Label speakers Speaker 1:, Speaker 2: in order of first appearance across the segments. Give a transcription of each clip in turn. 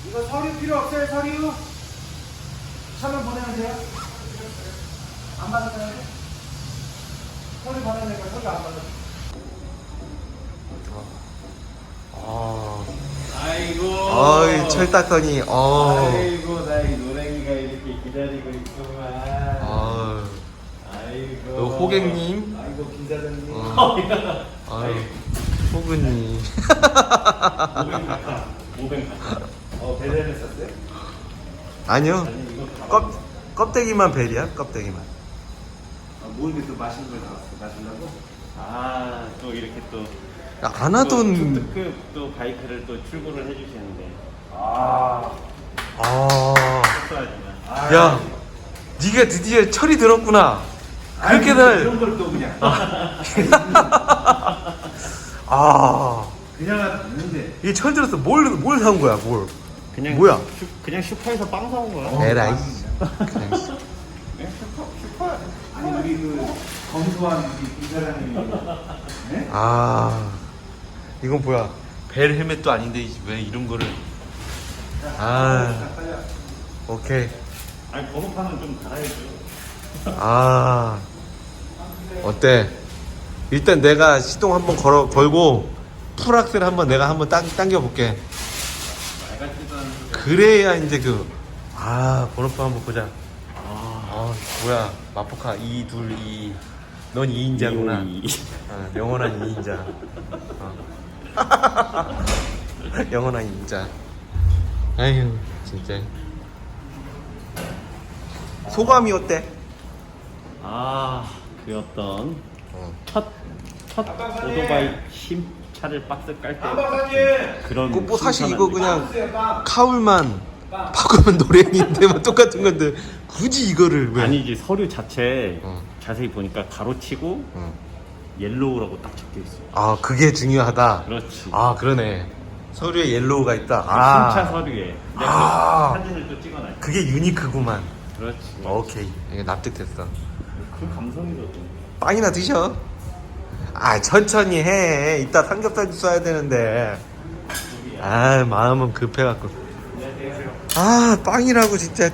Speaker 1: 이거 서류 필요 없어요, 서류? 차만 보내면 돼요? 안 받았잖아요? 서류 받아야 될까? 서류 안 받아. 아이고.
Speaker 2: 어이, 철 닦더니,
Speaker 1: 아이고, 나이 노랭이가 이렇게 기다리고 있구만. 아이고.
Speaker 2: 호객님.
Speaker 1: 아이고, 김사장님.
Speaker 2: 호그님.
Speaker 1: 500 배달을 썼어요?
Speaker 2: 아니요. 껍데기만 벨이야, 껍데기만.
Speaker 1: 모르게 또 맛있는 걸 나왔어. 마시려고?
Speaker 3: 또 이렇게 또
Speaker 2: 안 하던.
Speaker 3: 특급 또 바이크를 또 출고를 해주시는데
Speaker 2: 야, 네가 드디어 철이 들었구나. 그렇게들.
Speaker 1: 이런 걸 또 그냥. 그냥 하도 있는데.
Speaker 2: 이게 철 들었어. 뭘 사온 거야, 뭘?
Speaker 3: 그냥
Speaker 2: 뭐야?
Speaker 3: 그냥 슈퍼에서 빵 사온 거야.
Speaker 2: 에라이. 그냥.
Speaker 1: 네? 슈퍼. 아니, 우리 그 검소한 우리 김사장님이. 네?
Speaker 2: 이건 뭐야? 벨 헬멧도 아닌데 왜 이런 거를? 오케이.
Speaker 3: 아니 번호판은 좀 달아야죠.
Speaker 2: 어때? 일단 내가 시동 한번 걸고 풀악셀 한번 내가 한번 당겨 볼게. 그래야 이제 번호판 한번 보자. 뭐야? 마포카 222. 넌 2인자구나. 영원한 2인자. 영원한 2인자. 아휴, 진짜. 소감이 어때?
Speaker 3: 그 어떤 첫 오토바이 차를 박스 깔 때 그런
Speaker 2: 뭐 사실 이거
Speaker 3: 신선한
Speaker 2: 그냥 카울만 바꾸면 노랭인데 뭐 똑같은 건데 굳이 이거를 왜?
Speaker 3: 아니지 서류 자체 자세히 보니까 가로치고 옐로우라고 딱 적혀 있어.
Speaker 2: 그게 중요하다.
Speaker 3: 그렇지.
Speaker 2: 그러네. 서류에 옐로우가 있다.
Speaker 3: 신차 서류에 내가 그 사진을 또 찍어놔.
Speaker 2: 그게 유니크구만.
Speaker 3: 그렇지.
Speaker 2: 오케이. 이게 납득됐어.
Speaker 3: 그 감성이거든.
Speaker 2: 빵이나 드셔. 천천히 해. 이따 삼겹살도 써야 되는데. 마음은 급해갖고. 빵이라고 진짜.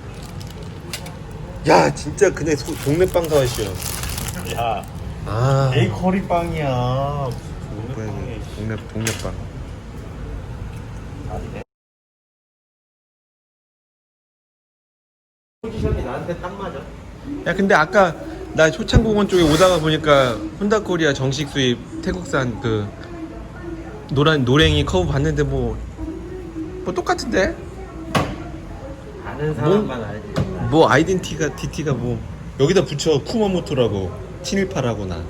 Speaker 2: 야, 진짜 그냥 동네 빵 사와시오.
Speaker 3: 야, 베이커리 빵이야.
Speaker 2: 동네 빵.
Speaker 3: 포지션이 나한테 딱 맞아.
Speaker 2: 야, 근데 아까 나 효창공원 쪽에 오다가 보니까 혼다코리아 정식 수입 태국산 그 노랭이 커브 봤는데 뭐 똑같은데?
Speaker 3: 아는 사람만 알지.
Speaker 2: 뭐 아이덴티티가 뭐 여기다 붙여 쿠마모토라고 718하고 나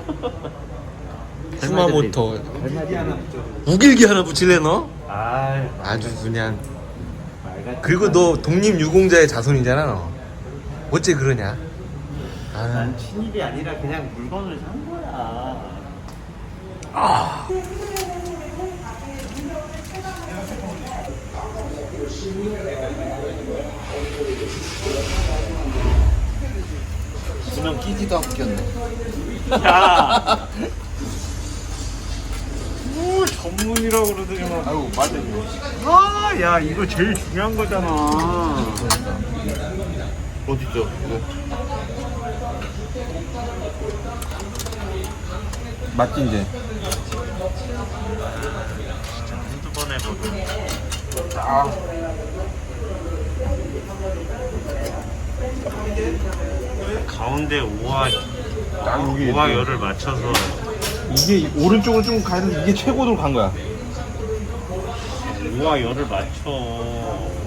Speaker 2: 쿠마모토 우길기 하나 붙일래 너? 아주 그냥. 그리고 너 독립유공자의 자손이잖아 너. 어째 그러냐?
Speaker 3: 난 친일이 아니라 그냥 물건을 산 거야.
Speaker 2: 수명 끼지도 않고 꼈네.
Speaker 3: 야, 뭐 전문이라고 그러더니만.
Speaker 2: 아이고 맞아.
Speaker 3: 야 이거 제일 중요한 거잖아.
Speaker 2: 어딨죠? 맞지 이제?
Speaker 3: 한두 번에 보고. 가운데 오와 열을 맞춰서
Speaker 2: 이게 오른쪽으로 좀 가야 돼. 이게 최고로 간 거야.
Speaker 3: 오와 열을 맞춰.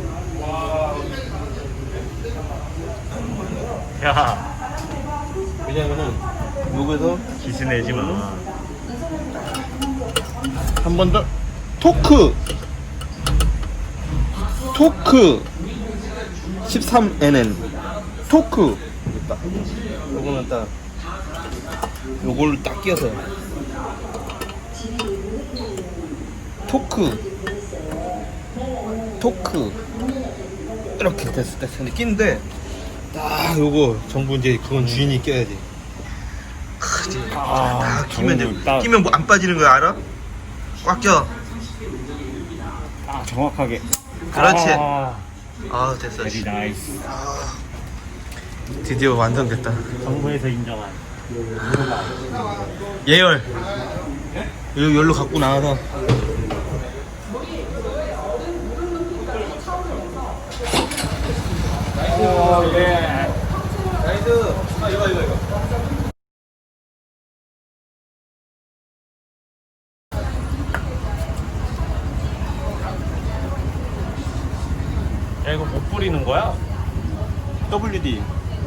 Speaker 3: 야,
Speaker 2: 왜냐면은 여기서
Speaker 3: 기스 내지 마.
Speaker 2: 한 번 더 토크 13NN 토크 딱 요거는 딱 요걸 딱 끼워서 토크 이렇게 됐을 때 근데 끼는데 딱 요거 전부 이제 그건 주인이 껴야지. 딱 끼면 돼. 끼면 뭐 안 빠지는 거 알아? 꽉 껴.
Speaker 3: 정확하게.
Speaker 2: 그렇지.
Speaker 3: 아,
Speaker 2: 아 됐어.
Speaker 3: very nice.
Speaker 2: 드디어 완성됐다.
Speaker 3: 정부에서 인정한.
Speaker 2: 예열. 열로 갖고 나와서.
Speaker 3: 야, 이거 못 뿌리는 거야?
Speaker 2: WD.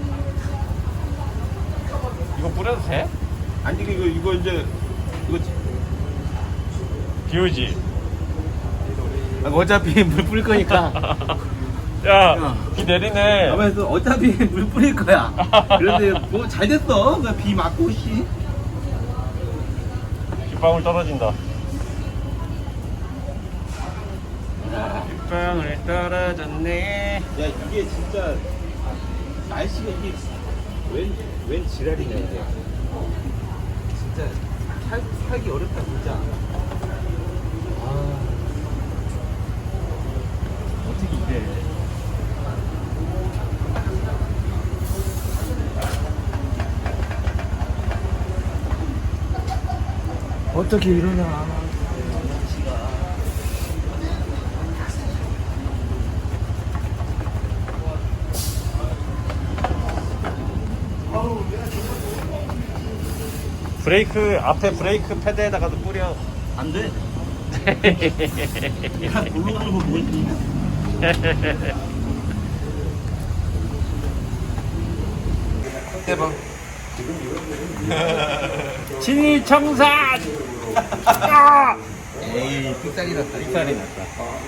Speaker 3: 이거 뿌려도 돼?
Speaker 2: 아니 이거 이제 이거
Speaker 3: 비오지.
Speaker 2: 어차피 물 뿌릴 거니까.
Speaker 3: 야, 비 내리네.
Speaker 2: 가만있어. 어차피 물 뿌릴 거야. 그런데 뭐 잘 됐어. 그냥 비 맞고 씨.
Speaker 3: 빗방울 떨어진다. 빗방울 떨어졌네.
Speaker 2: 야 이게 진짜 날씨가 이게 웬 지랄이냐 이게. 진짜 살기 어렵다 진짜. 아
Speaker 3: 어떻게 이래?
Speaker 2: 어떻게 이러냐.
Speaker 3: 브레이크 앞에 브레이크 패드에다가도 뿌려.
Speaker 2: 안 돼. 야 놀러 가는 거 뭐지? 대박.
Speaker 3: 진이청산.
Speaker 2: 에이 삑살이 났다.
Speaker 3: 빅살이 났다.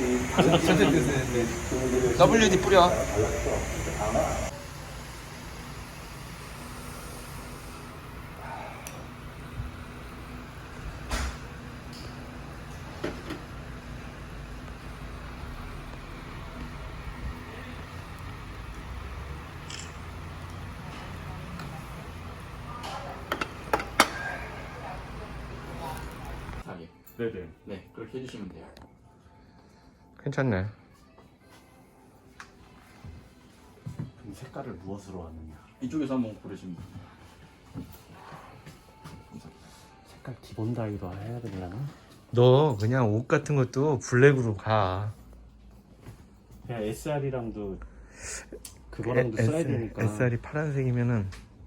Speaker 2: WD 뿌려.
Speaker 3: 네네.
Speaker 4: 네, 그렇게 해주시면 돼요.
Speaker 2: 괜찮네.
Speaker 3: 그럼 색깔을 무엇으로 하느냐?
Speaker 4: 이쪽에서 한번 고르시면 돼요.
Speaker 3: 색깔 기본 다이로 해야 되려나?
Speaker 2: 너 그냥 옷 같은 것도 블랙으로 가.
Speaker 3: 그냥 SR이랑도 그거랑도 써야 되니까.
Speaker 2: SR이 파란색이면은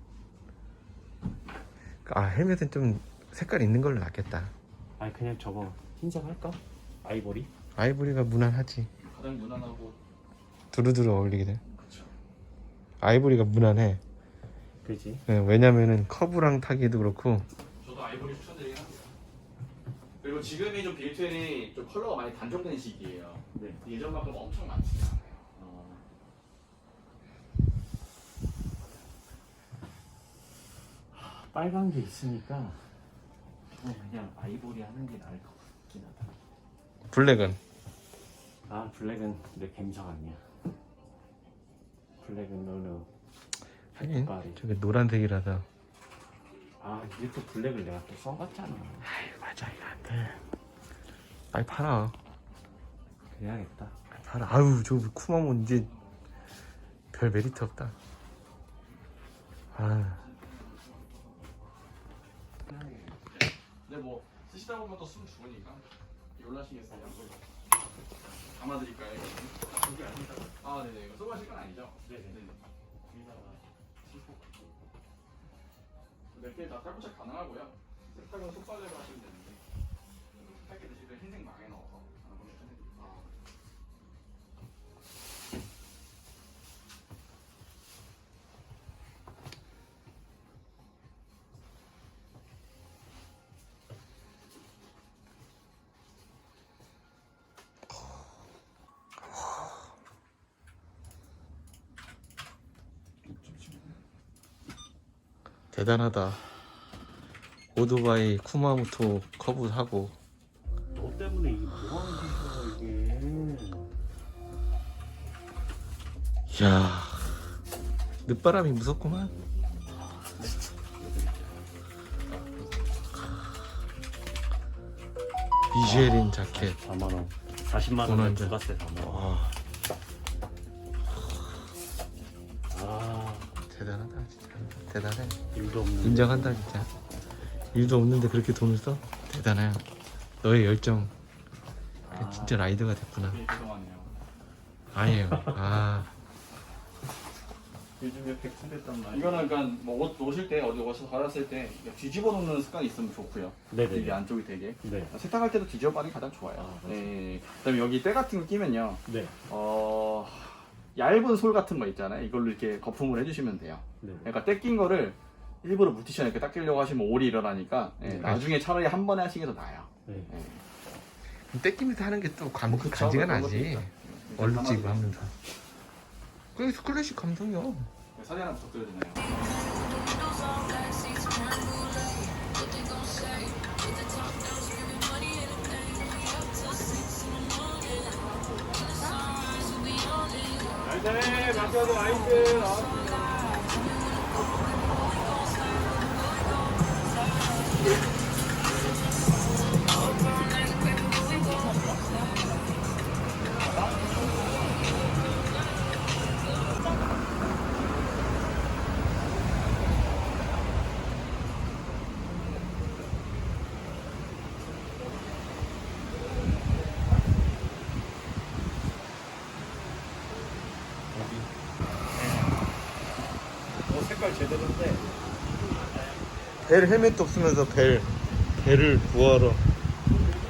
Speaker 2: 헬멧은 좀 색깔 있는 걸로 낫겠다.
Speaker 3: 아니 그냥 저거 흰색 할까? 아이보리?
Speaker 2: 아이보리가 무난하지.
Speaker 4: 가장 무난하고.
Speaker 2: 두루두루 어울리게 돼.
Speaker 4: 그렇죠.
Speaker 2: 아이보리가 무난해.
Speaker 3: 그지?
Speaker 2: 네, 왜냐면은 커브랑 타기도 그렇고.
Speaker 4: 저도 아이보리 추천드리긴 합니다. 그리고 지금이 좀 빌트인이 좀 컬러가 많이 단종된 시기예요.
Speaker 3: 네.
Speaker 4: 예전만큼 엄청 많지는 않아요.
Speaker 3: 빨간 게 있으니까 그냥 아이보리 하는 게 나을 것 같긴 하다.
Speaker 2: 블랙은
Speaker 3: 아 블랙은 내 감성 아니야. 블랙은 너는
Speaker 2: 하긴
Speaker 3: 색깔이.
Speaker 2: 저게 노란색이라서.
Speaker 3: 아 이게 또 블랙을 내가 또 써봤잖아.
Speaker 2: 아이 맞아 이거 안 돼. 빨리 팔아.
Speaker 3: 그래야겠다.
Speaker 2: 빨리 팔아. 아유 저 쿠마몬 이제 별 메리트 없다. 아
Speaker 4: 근데 뭐 쓰시다 보면 또 숨 죽으니까 놀라시겠어요. 담아드릴까요?
Speaker 3: 그게 아니다.
Speaker 4: 아 네네. 이거 써보실 건 아니죠?
Speaker 3: 네네.
Speaker 4: 몇 개 다 탈부착 가능하고요. 세탁은 속바지로 하시면 되는데 세탁기 드실 때 흰색 망에 넣어서 하는 걸 추천해드립니다.
Speaker 2: 대단하다. 오토바이 쿠마모토 커브 사고.
Speaker 3: 너 때문에 이게 뭐하는 짓이야 이게.
Speaker 2: 이야 늦바람이 무섭구만. 미쉐린 자켓
Speaker 3: 4만원. 40만 원에
Speaker 2: 원하는
Speaker 3: 부가세 다 넣어.
Speaker 2: 와,
Speaker 3: 아,
Speaker 2: 대단하다 진짜. 대단해.
Speaker 3: 일도 없는.
Speaker 2: 인정한다 진짜. 일도 없는데 그렇게 돈을 써? 대단해. 너의 열정. 진짜 라이더가 됐구나.
Speaker 4: 네, 죄송하네요.
Speaker 2: 아니에요. 아,
Speaker 3: 요즘에 백수됐단 말이야.
Speaker 4: 이거는 그러니까 뭐 옷 놓으실 때 어디 옷을 갈았을 때 뒤집어 놓는 습관이 있으면 좋고요.
Speaker 3: 네네.
Speaker 4: 이게 안쪽이 되게
Speaker 3: 네.
Speaker 4: 세탁할 때도 뒤집어 빠는 게 가장 좋아요.
Speaker 3: 아, 그렇죠.
Speaker 4: 네. 그다음에 여기 때 같은 거 끼면요.
Speaker 3: 네.
Speaker 4: 얇은 솔 같은 거 있잖아요. 이걸로 이렇게 거품을 해주시면 돼요.
Speaker 3: 네.
Speaker 4: 그러니까 때 낀 거를 일부러 물티슈에 이렇게 닦으려고 하시면 올이 일어나니까 예,
Speaker 3: 네.
Speaker 4: 나중에 차라리 한 번에 하시는 게 더 나아요.
Speaker 3: 네.
Speaker 4: 예.
Speaker 2: 떼끼면서 하는 게 또
Speaker 4: 그쵸,
Speaker 2: 간지가
Speaker 4: 그런 것도
Speaker 2: 나지.
Speaker 4: 있죠.
Speaker 2: 얼룩지고 하면서. 그게 클래식 감성이야.
Speaker 4: 사진 하나 부탁드려도 되나요?
Speaker 3: 색깔 제대로인데.
Speaker 2: 벨 헬멧도 없으면서 벨을 구하러